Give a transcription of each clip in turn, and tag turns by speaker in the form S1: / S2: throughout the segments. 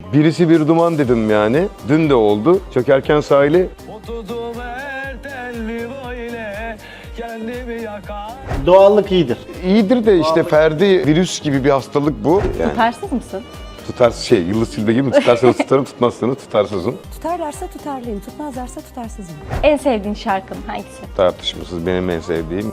S1: Birisi bir duman dedim yani. Dün de oldu. Çökerken sahili.
S2: Doğallık iyidir.
S1: İyidir de işte Ferdi virüs gibi bir hastalık bu. Yani
S3: Tutarsız mısın?
S1: Yıldız Tilbe gibi mi? Tutarsanız tutarım, tutmazsanız tutarsızım.
S4: Tutarlarsa tutarlıyım, tutmazlarsa tutarsızım.
S3: En sevdiğin şarkın hangisi?
S1: Tartışmasız benim en sevdiğim.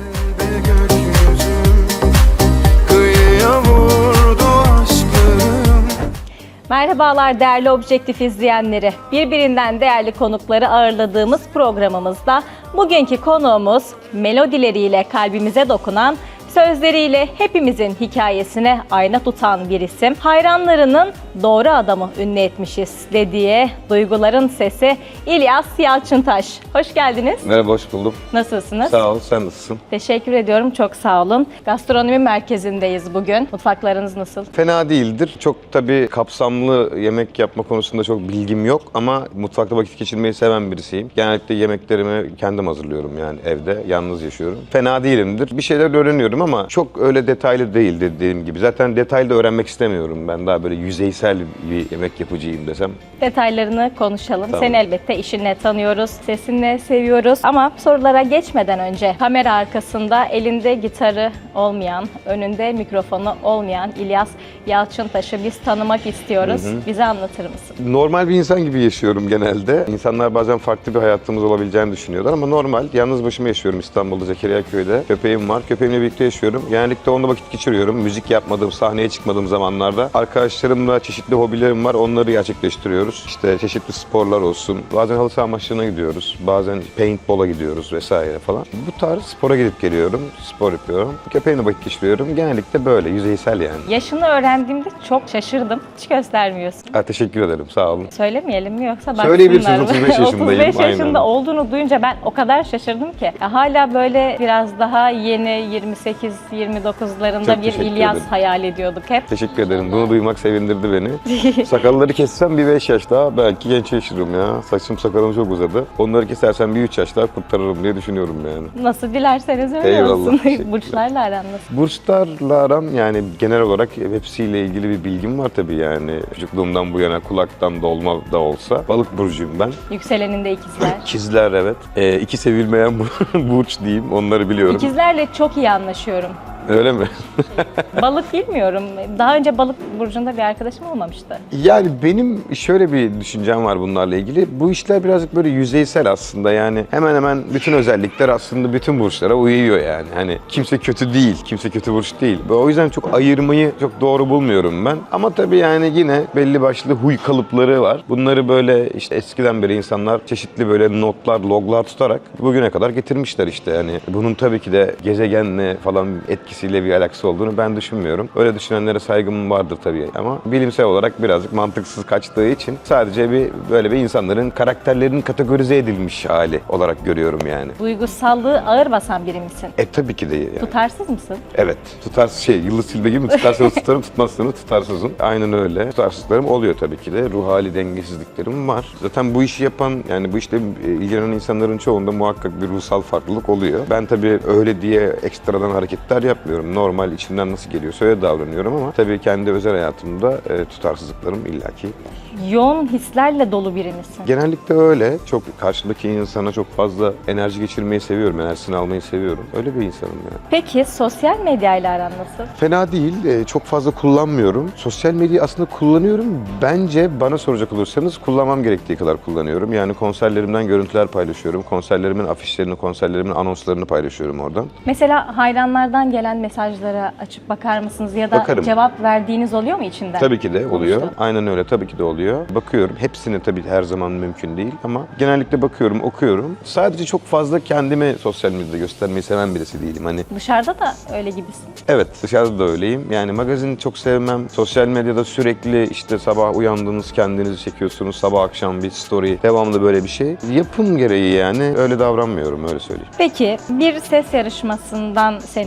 S3: Merhabalar değerli Objektif izleyenleri. Birbirinden değerli konukları ağırladığımız programımızda bugünkü konuğumuz melodileriyle kalbimize dokunan, sözleriyle hepimizin hikayesine ayna tutan bir isim. Hayranlarının doğru adamı ünlü etmişiz dediği duyguların sesi İlyas Yalçıntaş. Hoş geldiniz.
S1: Merhaba, hoş buldum.
S3: Nasılsınız?
S1: Sağ ol, sen nasılsın?
S3: Teşekkür ediyorum, çok sağ olun. Gastronomi merkezindeyiz bugün. Mutfaklarınız nasıl?
S1: Fena değildir. Çok tabii kapsamlı yemek yapma konusunda çok bilgim yok ama mutfakta vakit geçirmeyi seven birisiyim. Genellikle yemeklerimi kendim hazırlıyorum yani evde, yalnız yaşıyorum. Fena değilimdir. Bir şeyler öğreniyorum ama çok öyle detaylı değil dediğim gibi. Zaten detaylı da öğrenmek istemiyorum. Ben daha böyle yüzeysel bir yemek yapıcıyım desem.
S3: Detaylarını konuşalım.
S1: Tamam.
S3: Seni elbette işinle tanıyoruz, sesinle seviyoruz. Ama sorulara geçmeden önce kamera arkasında elinde gitarı olmayan, önünde mikrofonu olmayan İlyas Yalçıntaş'ı biz tanımak istiyoruz. Bize anlatır mısın?
S1: Normal bir insan gibi yaşıyorum genelde. İnsanlar bazen farklı bir hayatımız olabileceğini düşünüyorlar ama normal. Yalnız başıma yaşıyorum İstanbul'da, Zekeriyaköy'de. Köpeğim var. Köpeğimle birlikte yaşıyorum. Genellikle onunla vakit geçiriyorum. Müzik yapmadığım, sahneye çıkmadığım zamanlarda. Arkadaşlarımla çeşitli hobilerim var. Onları gerçekleştiriyoruz. İşte çeşitli sporlar olsun. Bazen halı saha maçlarına gidiyoruz. Bazen paintball'a gidiyoruz vesaire falan. Bu tarz spora gidip geliyorum. Spor yapıyorum. Köpeğimle vakit geçiriyorum. Genellikle böyle, yüzeysel yani.
S3: Yaşını öğrendiğimde çok şaşırdım. Hiç göstermiyorsun.
S1: Teşekkür ederim. Sağ olun.
S3: Söylemeyelim mi yoksa baksınlar
S1: Söyleyebilirsiniz,
S3: mı?
S1: 35 yaşındayım.
S3: 35 yaşında
S1: Aynen.
S3: olduğunu duyunca ben o kadar şaşırdım ki. Hala böyle biraz daha yeni 28-29'larında
S1: Çok
S3: bir
S1: teşekkür
S3: İlyas
S1: ederim.
S3: hayal ediyorduk hep.
S1: Teşekkür ederim. Bunu duymak sevindirdi beni. Sakalları kessem bir 5 yaş daha belki genç yaşarım ya. Saçım sakalım çok uzadı. Onları kesersem bir 3 yaş daha kurtarırım diye düşünüyorum yani.
S3: Nasıl dilerseniz öyle
S1: Eyvallah,
S3: olsun.
S1: teşekkürler.
S3: Burçlarla aran nasıl?
S1: Burçlarla aram yani genel olarak hepsiyle ilgili bir bilgim var tabii yani. Çocukluğumdan bu yana kulaktan dolma da olsa. Balık burcuyum ben.
S3: Yükseleninde ikizler.
S1: İkizler evet. İki sevilmeyen burç diyeyim, onları biliyorum.
S3: İkizlerle çok iyi anlaşıyorum.
S1: Öyle mi?
S3: Balık bilmiyorum. Daha önce balık burcunda bir arkadaşım olmamıştı.
S1: Yani benim şöyle bir düşüncem var bunlarla ilgili. Bu işler birazcık böyle yüzeysel aslında yani. Hemen hemen bütün özellikler aslında bütün burçlara uyuyor yani. Hani kimse kötü değil, kimse kötü burç değil. O yüzden çok ayırmayı çok doğru bulmuyorum ben. Ama tabii yani yine belli başlı huy kalıpları var. Bunları böyle işte eskiden beri insanlar çeşitli böyle notlar, loglar tutarak bugüne kadar getirmişler işte yani. Bunun tabii ki de gezegenle falan etkisiyle bir alakası olduğunu ben düşünmüyorum. Öyle düşünenlere saygım vardır tabii ama bilimsel olarak birazcık mantıksız kaçtığı için sadece böyle bir insanların karakterlerinin kategorize edilmiş hali olarak görüyorum yani.
S3: Duygusallığı ağır basan biri misin?
S1: Tabii ki de yani.
S3: Tutarsız mısın?
S1: Evet. Yıldız Tilbe gibi mi? Tutarsanız tutarım, tutmazsanız tutarsızım. Aynen öyle. Tutarsızlarım oluyor tabii ki de. Ruh hali dengesizliklerim var. Zaten bu işi yapan, yani bu işle ilgilenen insanların çoğunda muhakkak bir ruhsal farklılık oluyor. Ben tabii öyle diye ekstradan hareketler yapmıyorum. Normal içimden nasıl geliyorsa öyle davranıyorum ama tabii kendi özel hayatımda tutarsızlıklarım illaki.
S3: Yoğun hislerle dolu biri misin?
S1: Genellikle öyle. Çok karşıdaki insana çok fazla enerji geçirmeyi seviyorum. Enerjisini almayı seviyorum. Öyle bir insanım yani.
S3: Peki sosyal medyayla aran nasıl?
S1: Fena değil. Çok fazla kullanmıyorum. Sosyal medyayı aslında kullanıyorum. Bence bana soracak olursanız kullanmam gerektiği kadar kullanıyorum. Yani konserlerimden görüntüler paylaşıyorum. Konserlerimin afişlerini, konserlerimin anonslarını paylaşıyorum oradan.
S3: Mesela hayranlardan gelen mesajlara açıp bakar mısınız ya da
S1: Bakarım.
S3: cevap verdiğiniz oluyor mu içinden?
S1: Tabii ki de oluyor.
S3: Konuştu.
S1: Aynen öyle, tabii ki de oluyor. Bakıyorum. Hepsini tabii her zaman mümkün değil ama genellikle bakıyorum, okuyorum. Sadece çok fazla kendimi sosyal medyada göstermeyi seven birisi değilim. Hani
S3: Dışarıda da öyle gibisin.
S1: evet, dışarıda da öyleyim. Yani magazin çok sevmem. Sosyal medyada sürekli işte sabah uyandınız, kendinizi çekiyorsunuz. Sabah akşam bir story. Devamlı böyle bir şey. Yapım gereği yani öyle davranmıyorum, öyle söyleyeyim.
S3: Peki bir ses yarışmasından seni tanıdık.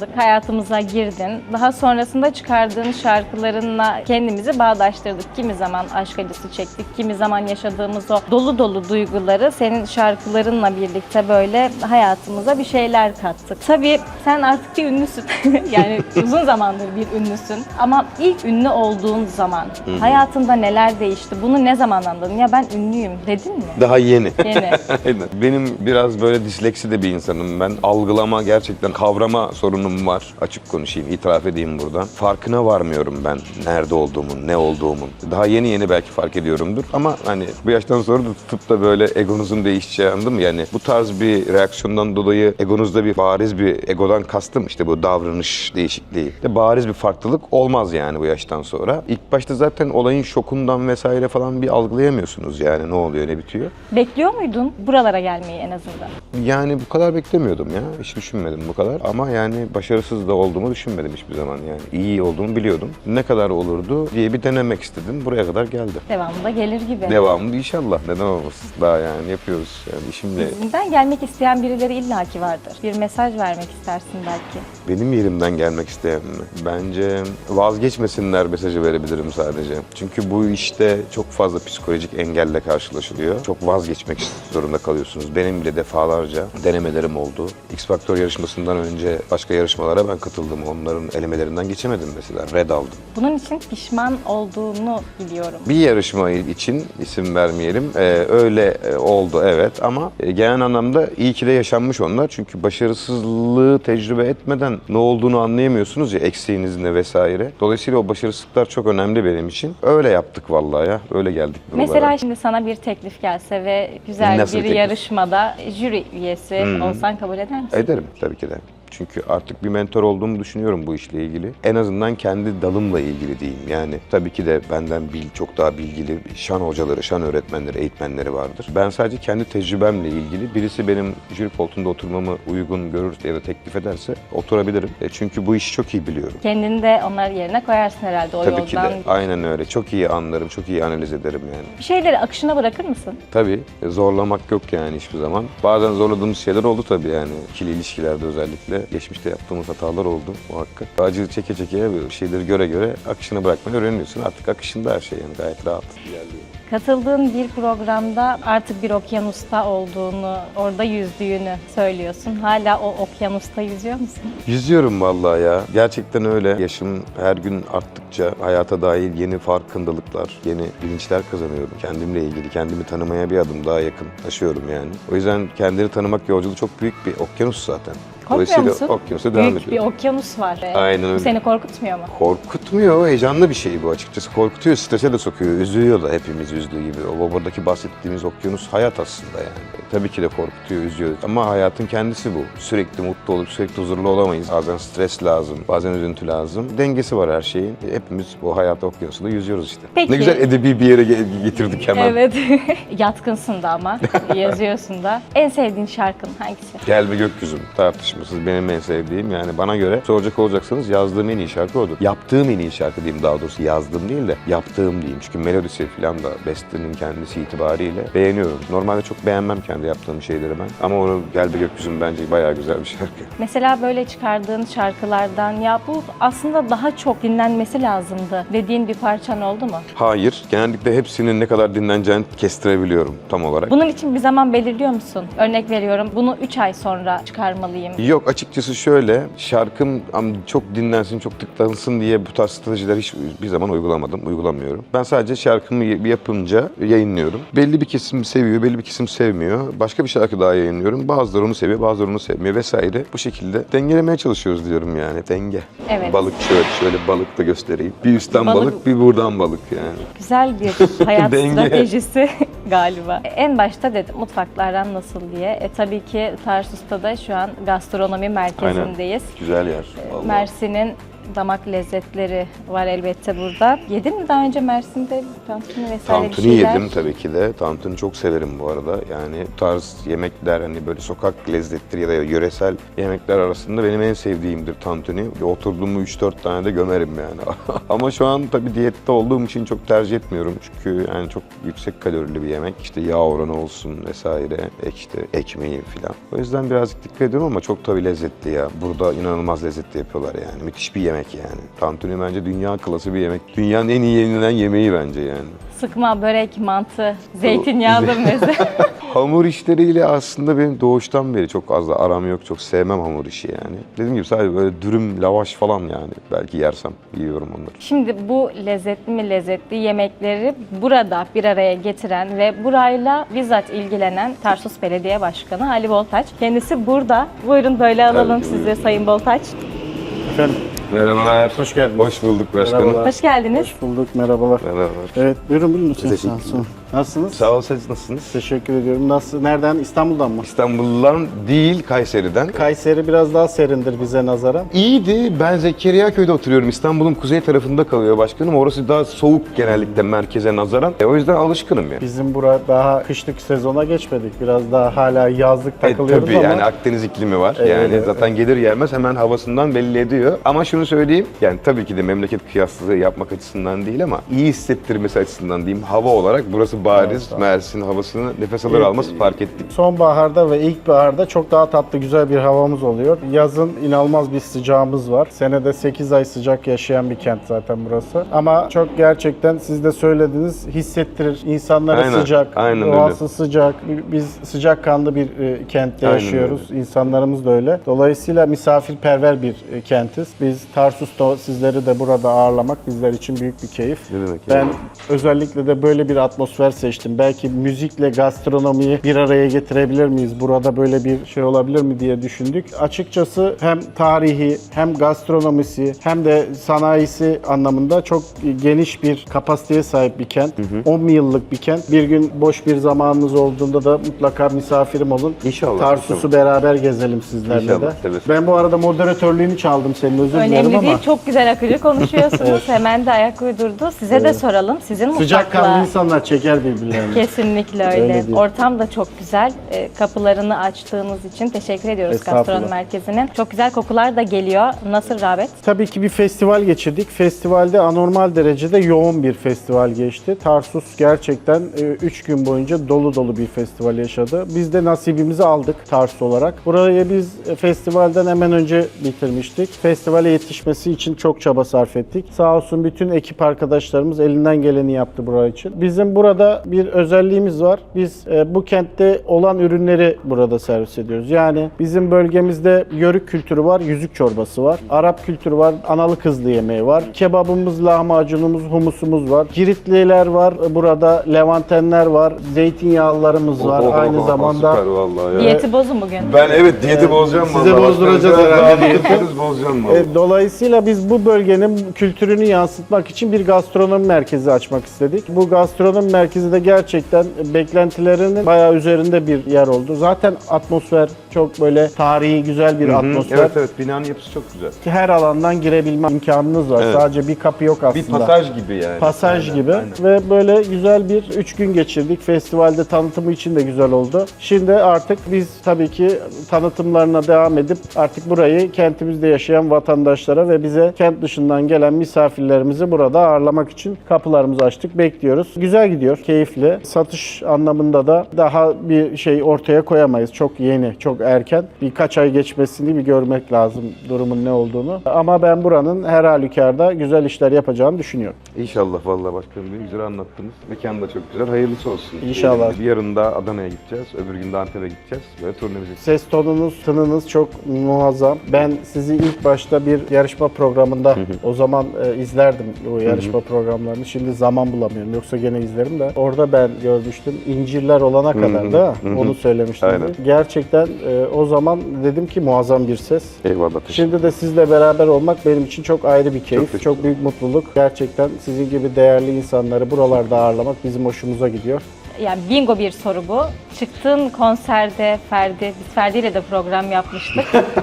S3: tanıdık, hayatımıza girdin. Daha sonrasında çıkardığın şarkılarınla kendimizi bağdaştırdık. Kimi zaman aşk acısı çektik, kimi zaman yaşadığımız o dolu dolu duyguları senin şarkılarınla birlikte böyle hayatımıza bir şeyler kattık. Tabii sen artık bir ünlüsün. Yani uzun zamandır bir ünlüsün. Ama ilk ünlü olduğun zaman hayatında neler değişti? Bunu ne zaman anladın? Ya ben ünlüyüm dedin mi?
S1: Daha yeni.
S3: Yeni.
S1: Aynen. Benim biraz böyle disleksi de bir insanım ben. Algılama, gerçekten kavrama sorunum var. Açık konuşayım, itiraf edeyim buradan. Farkına varmıyorum ben nerede olduğumun, ne olduğumun. Daha yeni yeni belki fark ediyorumdur. Ama hani bu yaştan sonra da tutup da böyle egonuzun değişeceği, anladın mı? Yani bu tarz bir reaksiyondan dolayı egonuzda bir bariz bir, egodan kastım işte bu davranış değişikliği. De bariz bir farklılık olmaz yani bu yaştan sonra. İlk başta zaten olayın şokundan vesaire falan bir algılayamıyorsunuz yani ne oluyor ne bitiyor.
S3: Bekliyor muydun buralara gelmeyi en azından?
S1: Yani bu kadar beklemiyordum ya. Hiç düşünmedim bu kadar. Ama yani başarısız da olduğumu düşünmedim hiçbir zaman yani. İyi olduğumu biliyordum. Ne kadar olurdu diye bir denemek istedim. Buraya kadar geldi.
S3: Devamında gelir gibi.
S1: Devamlı inşallah. Neden olmasın? Daha yani yapıyoruz. Yani işimle.
S3: Bizden gelmek isteyen birileri illaki vardır. Bir mesaj vermek istersin belki.
S1: Benim yerimden gelmek isteyen mi? Bence vazgeçmesinler mesajı verebilirim sadece. Çünkü bu işte çok fazla psikolojik engelle karşılaşılıyor. Çok vazgeçmek zorunda kalıyorsunuz. Benim bile defalarca denemelerim oldu. X Factor yarışmasından önce başka yarışmalara ben katıldım. Onların elemelerinden geçemedim mesela. Red aldım.
S3: Bunun için pişman olduğunu biliyorum.
S1: Bir yarışma için isim vermeyelim. Öyle oldu evet ama genel anlamda iyi ki de yaşanmış onlar. Çünkü başarısızlığı tecrübe etmeden ne olduğunu anlayamıyorsunuz ya, eksiğiniz ne vesaire. Dolayısıyla o başarısızlıklar çok önemli benim için. Öyle yaptık vallahi ya. Öyle geldik buralara.
S3: Mesela şimdi sana bir teklif gelse ve güzel
S1: Nasıl
S3: bir
S1: teklif?
S3: yarışmada jüri üyesi olsan kabul eder misin?
S1: Ederim tabii ki de. Çünkü artık bir mentor olduğumu düşünüyorum bu işle ilgili. En azından kendi dalımla ilgili diyeyim. Yani tabii ki de benden çok daha bilgili şan hocaları, şan öğretmenleri, eğitmenleri vardır. Ben sadece kendi tecrübemle ilgili birisi benim jüri koltuğunda oturmamı uygun görür ya da teklif ederse oturabilirim. Çünkü bu işi çok iyi biliyorum.
S3: Kendini de onlar yerine koyarsın herhalde o
S1: Tabii ki
S3: yoldan.
S1: de. Aynen öyle. Çok iyi anlarım, çok iyi analiz ederim yani.
S3: Bir şeyleri akışına bırakır mısın?
S1: Tabii zorlamak yok yani hiçbir zaman. Bazen zorladığımız şeyler oldu tabii yani. İkili ilişkilerde özellikle. Geçmişte yaptığımız hatalar oldu muhakkak. Acı çeke çeke şeyleri göre göre akışına bırakmayı öğreniyorsun. Artık akışında her şey yani gayet rahat ilerliyor.
S3: Katıldığın bir programda artık bir okyanusta olduğunu, orada yüzdüğünü söylüyorsun. Hala o okyanusta yüzüyor musun?
S1: Yüzüyorum vallahi ya. Gerçekten öyle. Yaşım her gün arttıkça hayata dair yeni farkındalıklar, yeni bilinçler kazanıyorum. Kendimle ilgili, kendimi tanımaya bir adım daha yakınlaşıyorum yani. O yüzden kendini tanımak yolculuğu çok büyük bir okyanus zaten.
S3: Korkmuyor musun?
S1: Okyanusa devam
S3: Büyük bir
S1: ediyorum.
S3: okyanus var.
S1: Aynen öyle.
S3: Bu seni korkutmuyor mu?
S1: Korkutmuyor, heyecanlı bir şey bu açıkçası. Korkutuyor, strese de sokuyor, üzüyor da hepimiz üzdüğü gibi. O buradaki bahsettiğimiz okyanus hayat aslında yani. Tabii ki de korkutuyor, üzüyor ama hayatın kendisi bu. Sürekli mutlu olup sürekli huzurlu olamayız. Bazen stres lazım, bazen üzüntü lazım. Dengesi var her şeyin. Hepimiz bu hayat okyanusunda yüzüyoruz işte.
S3: Peki.
S1: Ne güzel edebi bir yere getirdik hemen.
S3: Evet. Yatkınsın da ama. Yazıyorsun da. En sevdiğin şarkın hangisi?
S1: Gel be gökyüzüm tartışmasız benim en sevdiğim, yani bana göre soracak olacaksanız yazdığım en iyi şarkı odur. Yaptığım en iyi şarkı diyeyim, daha doğrusu yazdığım değil de yaptığım diyeyim. Çünkü melodisi falan da bestenin kendisi itibariyle beğeniyorum. Normalde çok beğenmem kendi yaptığım şeyleri ben. Ama onu Gel be gökyüzüm bence bayağı güzel bir şarkı.
S3: Mesela böyle çıkardığın şarkılardan ya bu aslında daha çok dinlenmesi lazımdı dediğin bir parçan oldu mu?
S1: Hayır, genellikle hepsinin ne kadar dinleneceğini kestirebiliyorum tam olarak.
S3: Bunun için bir zaman belirliyor musun? Örnek veriyorum, bunu 3 ay sonra çıkarmalıyım.
S1: Yok, açıkçası şöyle, şarkım çok dinlensin, çok tıklansın diye bu tarz stratejiler hiçbir zaman uygulamadım, uygulamıyorum. Ben sadece şarkımı yapınca yayınlıyorum. Belli bir kesim seviyor, belli bir kesim sevmiyor. Başka bir şarkı daha yayınlıyorum. Bazıları onu seviyor, bazıları onu sevmiyor vesaire. Bu şekilde dengelemeye çalışıyoruz diyorum yani. Denge.
S3: Evet.
S1: Balık şöyle balık da göstereyim. Bir üstten
S3: Balık-
S1: balık, bir buradan balık yani.
S3: Güzel bir hayat
S1: Denge.
S3: stratejisi galiba. En başta dedim mutfaklardan nasıl diye. Tabii ki Tarsus'ta da şu an gastronomi merkezindeyiz.
S1: Güzel yer. Vallahi.
S3: Mersin'in damak lezzetleri var elbette burada. Yedin mi daha önce Mersin'de tantuni vesaire bir
S1: Tantuni
S3: şeyler?
S1: yedim tabii ki de. Tantuni çok severim bu arada. Yani bu tarz yemekler hani böyle sokak lezzetleri ya da yöresel yemekler arasında benim en sevdiğimdir tantuni. Oturduğum mu 3-4 tane de gömerim yani. Ama şu an tabii diyette olduğum için çok tercih etmiyorum. Çünkü yani çok yüksek kalorili bir yemek. İşte yağ oranı olsun vesaire. İşte ekmeği falan. O yüzden birazcık dikkat ediyorum ama çok tabii lezzetli ya. Burada inanılmaz lezzetli yapıyorlar yani. Müthiş bir yemek yani. Tantuni bence dünya klası bir yemek. Dünyanın en iyi yenilen yemeği bence yani.
S3: Sıkma, börek, mantı, zeytinyağlı meze.
S1: Hamur işleriyle aslında benim doğuştan beri çok az da aram yok. Çok sevmem hamur işi yani. Dediğim gibi sadece böyle dürüm, lavaş falan yani. Belki yersem yiyorum onları.
S3: Şimdi bu lezzetli mi lezzetli yemekleri burada bir araya getiren ve burayla bizzat ilgilenen Tarsus Belediye Başkanı Ali Boltaç. Kendisi burada. Buyurun böyle alalım
S1: Tabii ki,
S3: sizi Sayın Boltaç.
S2: Efendim,
S1: Merhabalar.
S2: Hoş geldiniz.
S1: Hoş bulduk başkanım.
S2: Merhabalar.
S3: Hoş geldiniz.
S2: hoş bulduk, merhabalar.
S1: Merhabalar.
S2: Evet, buyurun lütfen.
S1: Teşekkürler.
S2: Nasılsınız?
S1: Sağ ol, siz nasılsınız?
S2: Teşekkür ediyorum. Nasıl? Nereden? İstanbul'dan mı?
S1: İstanbul'dan değil, Kayseri'den.
S2: Kayseri biraz daha serindir bize nazaran.
S1: İyiydi. Ben Zekeriyaköy'de oturuyorum. İstanbul'un kuzey tarafında kalıyor başkanım. Orası daha soğuk genellikle merkeze nazaran. O yüzden alışkınım yani.
S2: Bizim bura daha kışlık sezona geçmedik. Biraz daha hala yazlık takılıyoruz
S1: Tabii
S2: ama
S1: yani Akdeniz iklimi var.
S2: Evet,
S1: Yani
S2: evet.
S1: zaten gelir gelmez hemen havasından belli ediyor. Ama şunu söyleyeyim. Yani tabii ki de memleket kıyaslığı yapmak açısından değil ama iyi hissettirmesi açısından diyeyim. Hava olarak burası bariz. Mersin havasını nefes alır almaz fark ettik.
S2: sonbaharda ve ilkbaharda çok daha tatlı, güzel bir havamız oluyor. Yazın inanılmaz bir sıcağımız var. Senede 8 ay sıcak yaşayan bir kent zaten burası. Ama çok gerçekten siz de söylediniz, hissettirir. İnsanları
S1: Aynen,
S2: sıcak,
S1: aynen
S2: doğası sıcak. Biz sıcakkanlı bir kentte
S1: Aynen
S2: yaşıyoruz. İnsanlarımız da öyle. Dolayısıyla misafirperver bir kentiz. Biz Tarsus'ta sizleri de burada ağırlamak bizler için büyük bir keyif.
S1: Ne demek
S2: Ben
S1: yani?
S2: özellikle de böyle bir atmosfer seçtim. Belki müzikle gastronomiyi bir araya getirebilir miyiz? Burada böyle bir şey olabilir mi diye düşündük. Açıkçası hem tarihi hem gastronomisi hem de sanayisi anlamında çok geniş bir kapasiteye sahip bir kent. 10 yıllık bir kent. Bir gün boş bir zamanınız olduğunda da mutlaka misafirim olun.
S1: İnşallah.
S2: Tarsus'u beraber gezelim sizlerle
S1: İnşallah,
S2: de.
S1: tabii.
S2: Ben bu arada moderatörlüğünü çaldım senin, özür dilerim
S3: Önemli
S2: ama
S3: değil, çok güzel akıcı konuşuyorsunuz. Hemen de ayak uydurdu. Size de soralım. Sizin
S2: sıcakkanlı
S3: mutfakla...
S2: insanlar çeker birbirlerini.
S3: Kesinlikle
S2: Öyle
S3: öyle.
S2: değil.
S3: Ortam da çok güzel. Kapılarını açtığınız için teşekkür ediyoruz
S2: Estağfurullah.
S3: Gastronomi Merkezi'nin. Çok güzel kokular da geliyor. Nasıl rağbet?
S2: Tabii ki bir festival geçirdik. Festivalde anormal derecede yoğun bir festival geçti. Tarsus gerçekten 3 gün boyunca dolu dolu bir festival yaşadı. Biz de nasibimizi aldık Tarsus olarak. Burayı biz festivalden hemen önce bitirmiştik. Festivale yetişmesi için çok çaba sarf ettik. Sağ olsun bütün ekip arkadaşlarımız elinden geleni yaptı burası için. Bizim burada bir özelliğimiz var. Biz bu kentte olan ürünleri burada servis ediyoruz. Yani bizim bölgemizde yörük kültürü var, yüzük çorbası var. Arap kültürü var, analı kızlı yemeği var. Kebabımız, lahmacunumuz, humusumuz var. Giritliler var, burada Levantenler var, zeytinyağlılarımız var. Aynı zamanda
S1: Süper vallahi ya.
S3: Diyeti bozun bugün.
S1: Ben evet diyeti bozacağım
S2: size
S1: vallahi.
S2: bozduracağız
S1: Başkanım,
S2: herhalde
S1: daha
S2: diyeti.
S1: yaparız, bozacağım vallahi.
S2: Dolayısıyla biz bu bölgenin kültürünü yansıtmak için bir gastronomi merkezi açmak istedik. Bu gastronomi merkezi de gerçekten beklentilerinin bayağı üzerinde bir yer oldu. Zaten atmosfer çok böyle tarihi, güzel bir atmosfer.
S1: Evet evet, binanın yapısı çok güzel.
S2: Her alandan girebilme imkanınız var.
S1: Evet.
S2: Sadece bir kapı yok aslında.
S1: Bir pasaj gibi yani.
S2: Pasaj
S1: Aynen,
S2: gibi
S1: aynen.
S2: ve böyle güzel bir 3 gün geçirdik. Festivalde tanıtımı için de güzel oldu. Şimdi artık biz tabii ki tanıtımlarına devam edip artık burayı kentimizde yaşayan vatandaşlara ve bize kent dışından gelen misafirlerimizi burada ağırlamak için kapılarımızı açtık. Bekliyoruz. Güzel gidiyor, keyifli. Satış anlamında da daha bir şey ortaya koyamayız. Çok yeni, çok erken. Birkaç ay geçmesini bir görmek lazım durumun ne olduğunu. Ama ben buranın her halükarda güzel işler yapacağını düşünüyorum.
S1: İnşallah vallahi başkanım, bir güzel anlattınız. Mekan da çok güzel. Hayırlısı olsun.
S2: İnşallah.
S1: Bir yarın da Adana'ya gideceğiz. Öbür gün de Antep'e gideceğiz. Böyle turnemizi.
S2: Ses tonunuz, tınınız çok muazzam. Ben sizi ilk başta bir yarışma programında o zaman izlerdim o yarışma programlarını. Şimdi zaman bulamıyorum. Yoksa gene izlerim de. Orada ben görmüştüm. İncirler olana kadar da onu söylemiştim.
S1: Aynen.
S2: Gerçekten o zaman dedim ki muazzam bir ses.
S1: Eyvallah. Teşekkür
S2: Şimdi de sizle beraber olmak benim için çok ayrı bir keyif,
S1: teşekkür
S2: çok büyük mutluluk. Gerçekten sizin gibi değerli insanları buralarda ağırlamak bizim hoşumuza gidiyor.
S3: Yani bingo bir soru bu. Çıktığın konserde Ferdi, biz Ferdi ile de program yapmıştık.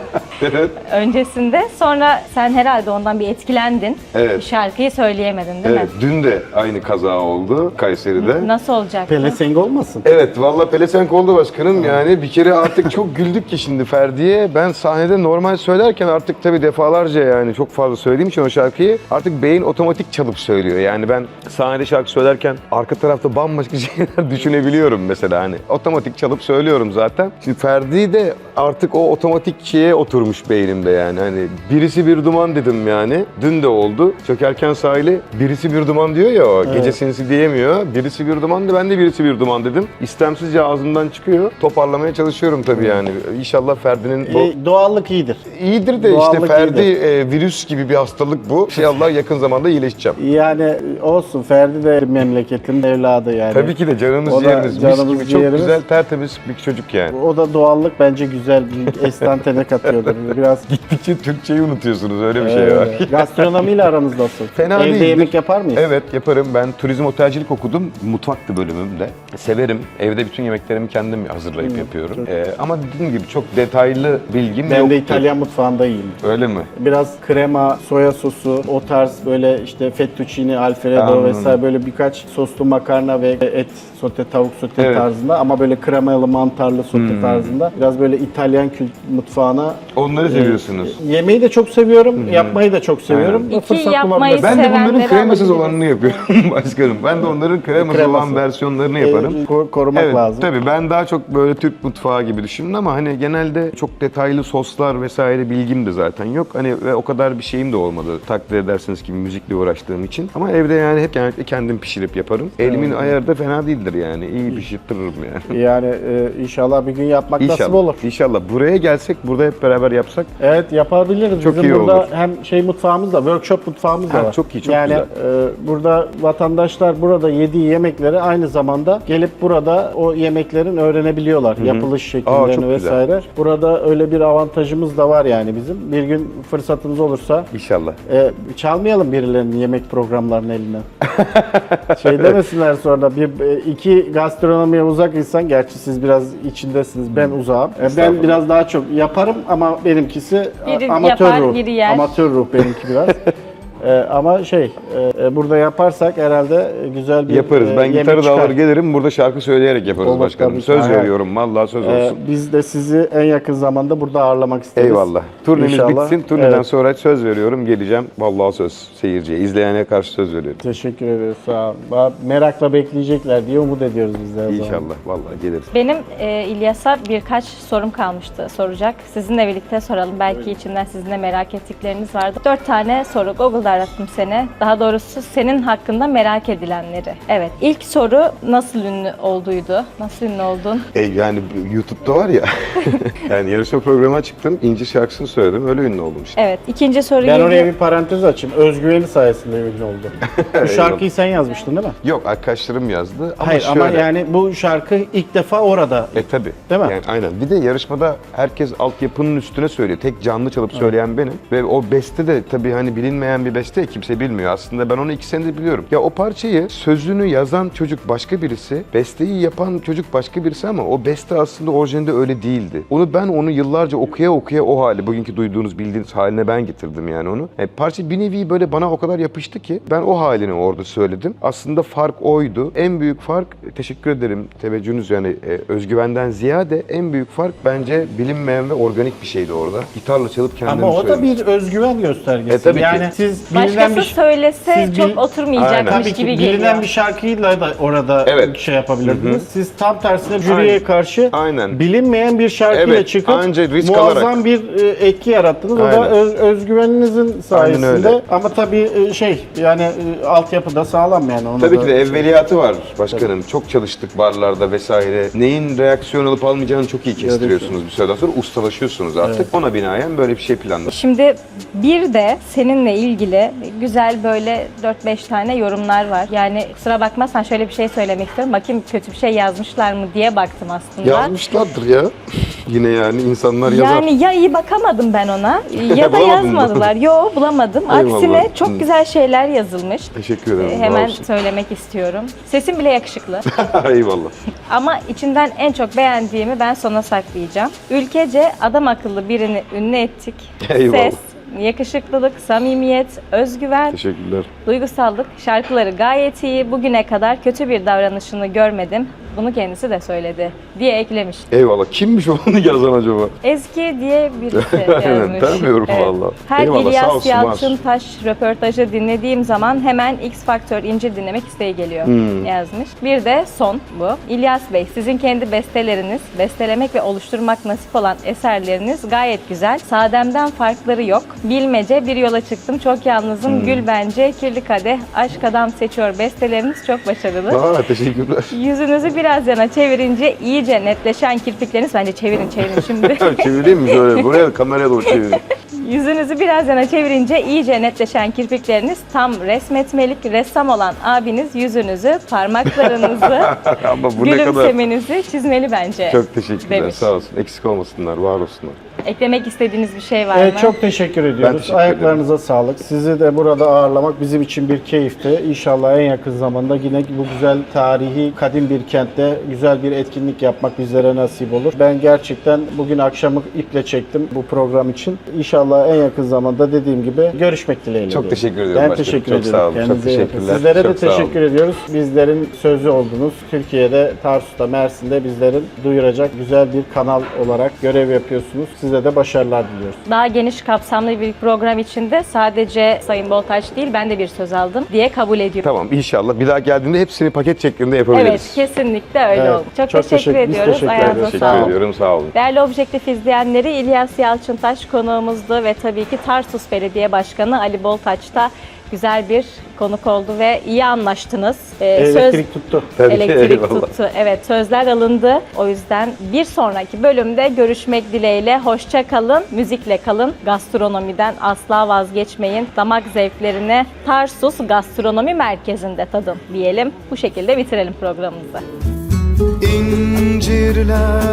S1: Evet.
S3: öncesinde. Sonra sen herhalde ondan bir etkilendin.
S1: Evet.
S3: Şarkıyı söyleyemedin değil
S1: Evet, dün de aynı kaza oldu Kayseri'de.
S3: mi? Nasıl olacak?
S2: Pelesenk olmasın?
S1: Evet, valla pelesenk oldu başkanım. Yani bir kere artık çok güldük ki şimdi Ferdi'ye. Ben sahnede normal söylerken artık tabii defalarca yani çok fazla söylediğim için o şarkıyı artık beyin otomatik çalıp söylüyor. Yani ben sahnede şarkı söylerken arka tarafta bambaşka şeyler düşünebiliyorum mesela hani. Otomatik çalıp söylüyorum zaten. Şimdi Ferdi de artık o otomatik şeye oturmuş beynimde yani. Hani birisi bir duman dedim yani. Dün de oldu. Çökerken sahile birisi bir duman diyor ya o. Gece sinsi diyemiyor. Birisi bir dumandı, ben de birisi bir duman dedim. İstemsizce ağzımdan çıkıyor. Toparlamaya çalışıyorum tabii yani. İnşallah Ferdi'nin bu...
S2: Doğallık iyidir.
S1: İyidir de
S2: Doğallık
S1: işte Ferdi
S2: iyidir.
S1: virüs gibi bir hastalık bu. İnşallah yakın zamanda iyileşeceğim.
S2: Yani olsun, Ferdi de memleketin evladı yani.
S1: Tabii ki de canımız
S2: O da
S1: ciğerimiz. Mis
S2: canımız
S1: gibi çok
S2: ciğerimiz.
S1: güzel, tertemiz bir çocuk yani.
S2: O da doğallık bence güzel bir estantene katıyordur. Biraz
S1: Gittikçe Türkçeyi unutuyorsunuz, öyle bir şey var.
S2: gastronomiyle aranız nasıl?
S1: Fena
S2: Evde
S1: değildir.
S2: yemek yapar mıyız?
S1: Evet, yaparım. Ben turizm otelcilik okudum. Mutfaktı bölümümde. Severim. Evde bütün yemeklerimi kendim hazırlayıp yapıyorum. Ama dediğim gibi çok detaylı bilgim
S2: Ben
S1: yoktu.
S2: de İtalyan mutfağında iyiyim.
S1: Öyle mi?
S2: Biraz krema, soya sosu, o tarz böyle işte fettuccine, alfredo
S1: Anladım.
S2: vesaire böyle birkaç soslu makarna ve et sote, tavuk sote
S1: Evet.
S2: tarzında ama böyle kremalı, mantarlı sote tarzında. Biraz böyle İtalyan mutfağına
S1: Onları seviyorsunuz.
S2: yemeği de çok seviyorum, yapmayı da çok seviyorum.
S3: İki
S2: Fırsat
S3: yapmayı
S2: bulabilirsem-
S1: Ben de bunların
S3: sevenleri
S1: kremasız
S3: alabiliriz.
S1: olanını yapıyorum başkanım. Ben de onların kremasız
S2: Kreması.
S1: olan versiyonlarını yaparım.
S2: Korumak
S1: Evet,
S2: lazım.
S1: tabii ben daha çok böyle Türk mutfağı gibi düşündüm ama hani genelde çok detaylı soslar vesaire bilgim de zaten yok. Hani ve o kadar bir şeyim de olmadı takdir edersiniz ki müzikle uğraştığım için. Ama evde yani hep genellikle kendim pişirip yaparım. Elimin ayarı da fena değildir yani. İyi pişirtirim yani.
S2: Yani inşallah bir gün yapmak nasip olur.
S1: İnşallah. Buraya gelsek, burada hep beraber yapsak.
S2: Evet, yapabiliriz.
S1: Çok
S2: Bizim
S1: iyi
S2: burada
S1: olur.
S2: hem şey mutfağımız da, workshop mutfağımız da
S1: Ha,
S2: var.
S1: çok iyi, çok
S2: yani,
S1: güzel.
S2: burada vatandaşlar burada yediği yemekleri aynı zamanda gelip burada o yemeklerin öğrenebiliyorlar. Yapılış
S1: Aa,
S2: şekillerini
S1: çok
S2: vesaire. Burada öyle bir avantajımız da var yani bizim. Bir gün fırsatımız olursa
S1: İnşallah.
S2: çalmayalım birilerinin yemek programlarını elinden. Şey demesinler sonra iki gastronomiye uzak insan, gerçi siz biraz içindesiniz, ben uzağım. Ben
S1: Estağfurullah.
S2: biraz daha çok yaparım ama benimkisi
S3: Biri
S2: amatör
S3: yapar,
S2: ruh.
S3: biri yer.
S2: Amatör ruh benimki biraz. Ama burada yaparsak herhalde güzel bir
S1: Yaparız. Ben
S2: yemek
S1: gitarı da
S2: çıkar.
S1: alır gelirim. Burada şarkı söyleyerek yaparız
S2: Olur,
S1: başkanım.
S2: tabii ki.
S1: Söz
S2: Aynen.
S1: veriyorum. Vallahi söz olsun.
S2: Biz de sizi en yakın zamanda burada ağırlamak isteriz.
S1: Eyvallah. Turnemiz
S2: İnşallah.
S1: bitsin. Turneden
S2: Evet.
S1: sonra söz veriyorum. Geleceğim. Vallahi söz seyirciye, izleyene karşı söz veriyorum.
S2: Teşekkür ederiz. Sağ olun. Merakla bekleyecekler diye umut ediyoruz biz de her zaman.
S1: İnşallah. Vallahi geliriz.
S3: Benim İlyas'a birkaç sorum kalmıştı soracak. Sizinle birlikte soralım. Belki içinden sizin de merak ettikleriniz vardı. 4 tane soru. Google'da arattım seni. Daha doğrusu senin hakkında merak edilenleri. Evet. İlk soru nasıl ünlü olduydu? Nasıl ünlü oldun?
S1: Yani YouTube'da var ya. Yani yarışma programına çıktım. İnci şarkısını söyledim. Öyle ünlü oldum işte.
S3: Evet. İkinci soru
S2: Ben
S3: geliyor.
S2: oraya bir parantez açayım. Özgüveni sayesinde ünlü oldu. Bu şarkıyı sen yazmıştın değil mi?
S1: Yok, arkadaşlarım yazdı. Ama
S2: Hayır
S1: şöyle.
S2: ama yani bu şarkı ilk defa orada.
S1: Tabii.
S2: Değil mi?
S1: Yani aynen. Bir de yarışmada herkes altyapının üstüne söylüyor. Tek canlı çalıp söyleyen benim. Ve o beste de tabii hani bilinmeyen bir beste, kimse bilmiyor. Aslında ben onu 2 senedir biliyorum. Ya o parçayı, sözünü yazan çocuk başka birisi, besteyi yapan çocuk başka birisi ama o beste aslında orijinalde öyle değildi. Onu yıllarca okuya okuya o hali, bugünkü duyduğunuz, bildiğiniz haline ben getirdim yani onu. Parça bir nevi böyle bana o kadar yapıştı ki ben o halini orada söyledim. Aslında fark oydu. En büyük fark, teşekkür ederim teveccühünüz yani özgüvenden ziyade en büyük fark bence bilinmeyen ve organik bir şeydi orada. Gitarla çalıp kendimi
S2: Ama o da
S1: söyledim.
S2: bir özgüven göstergesi.
S1: Tabii ki.
S2: yani siz bilinen
S3: Başkası
S2: bir
S3: söylese
S2: siz
S3: çok
S2: bil-
S3: oturmayacakmış
S2: tabii ki
S3: gibi
S2: bilinen
S3: geliyor.
S2: bir şarkıyla da orada
S1: Evet.
S2: şey yapabilirdiniz. Siz tam tersine jüriye
S1: Aynen.
S2: karşı
S1: Aynen.
S2: bilinmeyen bir şarkıyla
S1: Evet,
S2: çıkıp
S1: anca risk
S2: muazzam
S1: alarak.
S2: bir etki yarattınız. O da
S1: Aynen.
S2: özgüveninizin sayesinde.
S1: öyle.
S2: Ama tabii yani altyapı da sağlam yani. Onu
S1: Tabii
S2: da
S1: ki de evveliyatı var başkanım. Çok çalıştık barlarda vesaire. Neyin reaksiyon alıp almayacağını çok iyi kestiriyorsunuz bir süreden sonra. Ustalaşıyorsunuz artık. Ona binaen böyle bir şey planladık.
S3: Şimdi bir de seninle ilgili ilgili güzel böyle 4-5 tane yorumlar var. Yani kusura bakmazsan şöyle bir şey söylemek istiyorum. Bakayım kötü bir şey yazmışlar mı diye baktım aslında.
S1: Yazmışlardır ya. Yine yani insanlar yazar.
S3: Yani ya iyi bakamadım ben ona ya da
S1: Bulamadın mı?
S3: yazmadılar. Yo bulamadım.
S1: Eyvallah.
S3: Aksine çok güzel şeyler yazılmış.
S1: Teşekkür ederim.
S3: Hemen
S1: sağ olsun.
S3: söylemek istiyorum. Sesim bile yakışıklı.
S1: Eyvallah.
S3: Ama içinden en çok beğendiğimi ben sona saklayacağım. Ülkece adam akıllı birini ünlü ettik.
S1: Eyvallah.
S3: Ses, yakışıklılık, samimiyet, özgüven,
S1: Teşekkürler.
S3: duygusallık, şarkıları gayet iyi. Bugüne kadar kötü bir davranışını görmedim. Bunu kendisi de söyledi diye eklemiş.
S1: Eyvallah. Kimmiş onu yazan acaba?
S3: Ezgi diye birisi
S1: Aynen,
S3: yazmış.
S1: tanımıyorum valla.
S3: Her
S1: Eyvallah, sağ
S3: İlyas
S1: olsun,
S3: Yalçıntaş röportajı dinlediğim zaman hemen X Faktör İncil dinlemek isteği geliyor yazmış. Bir de son bu. İlyas Bey, sizin kendi besteleriniz, bestelemek ve oluşturmak nasip olan eserleriniz gayet güzel. Sadem'den farkları yok. Bilmece, bir yola çıktım, çok yalnızım, gül bence, kirli kadeh, aşk adam seçiyor besteleriniz çok başarılı.
S1: Aa, teşekkürler.
S3: Yüzünüzü biraz yana çevirince iyice netleşen kirpikleriniz, bence çevirin şimdi.
S1: Çevireyim mi şöyle? Buraya kameraya doğru çevireyim.
S3: Yüzünüzü biraz yana çevirince iyice netleşen kirpikleriniz tam resmetmelik, ressam olan abiniz yüzünüzü, parmaklarınızı,
S1: Ama bu ne kadar...
S3: gülümsemenizi çizmeli bence.
S1: Çok teşekkürler.
S3: demiş.
S1: Sağ olsun. Eksik olmasınlar. Var olsunlar.
S3: Eklemek istediğiniz bir şey var mı?
S2: Çok teşekkür ediyoruz.
S1: teşekkür
S2: Ayaklarınıza sağlık. Sizi de burada ağırlamak bizim için bir keyifti. İnşallah en yakın zamanda yine bu güzel tarihi, kadim bir kentte güzel bir etkinlik yapmak bizlere nasip olur. Ben gerçekten bugün akşamı iple çektim bu program için. İnşallah en yakın zamanda dediğim gibi görüşmek dileğiyle.
S1: Çok
S2: diyorum.
S1: teşekkür ediyorum
S2: Ben
S1: başkanım.
S2: teşekkür
S1: Çok
S2: ediyorum.
S1: sağ olun. Çok
S2: Kendinize iyi bakın.
S1: teşekkürler.
S2: Sizlere de
S1: Çok sağ olun.
S2: teşekkür ediyoruz. Bizlerin sözü oldunuz. Türkiye'de, Tarsus'ta, Mersin'de bizlerin duyuracak güzel bir kanal olarak görev yapıyorsunuz. Size de başarılar diliyoruz.
S3: Daha geniş kapsamlı bir program içinde sadece Sayın Boltaç değil, ben de bir söz aldım diye kabul ediyorum.
S1: Tamam, inşallah. Bir daha geldiğimde hepsini paket şeklinde yapabiliriz.
S3: Evet, kesinlikle öyle
S2: Evet,
S3: oldu. Çok,
S2: çok
S3: teşekkür
S2: teşekkür- biz
S3: ediyoruz.
S2: teşekkür
S3: Ayağınıza
S2: ederiz.
S1: Teşekkür
S3: sağlık.
S1: ediyorum. Sağ olun.
S3: Değerli Objektif izleyenleri, İlyas Yalçıntaş konuğumuzdu ve tabii ki Tarsus Belediye Başkanı Ali Boltaç da güzel bir konuk oldu ve iyi anlaştınız.
S2: Elektrik tuttu.
S1: Tabii,
S3: Elektrik
S1: eyvallah.
S3: tuttu. Evet, sözler alındı. O yüzden bir sonraki bölümde görüşmek dileğiyle. Hoşça kalın, müzikle kalın. Gastronomiden asla vazgeçmeyin. Damak zevklerini Tarsus Gastronomi Merkezi'nde tadın diyelim. Bu şekilde bitirelim programımızı.
S5: İncirler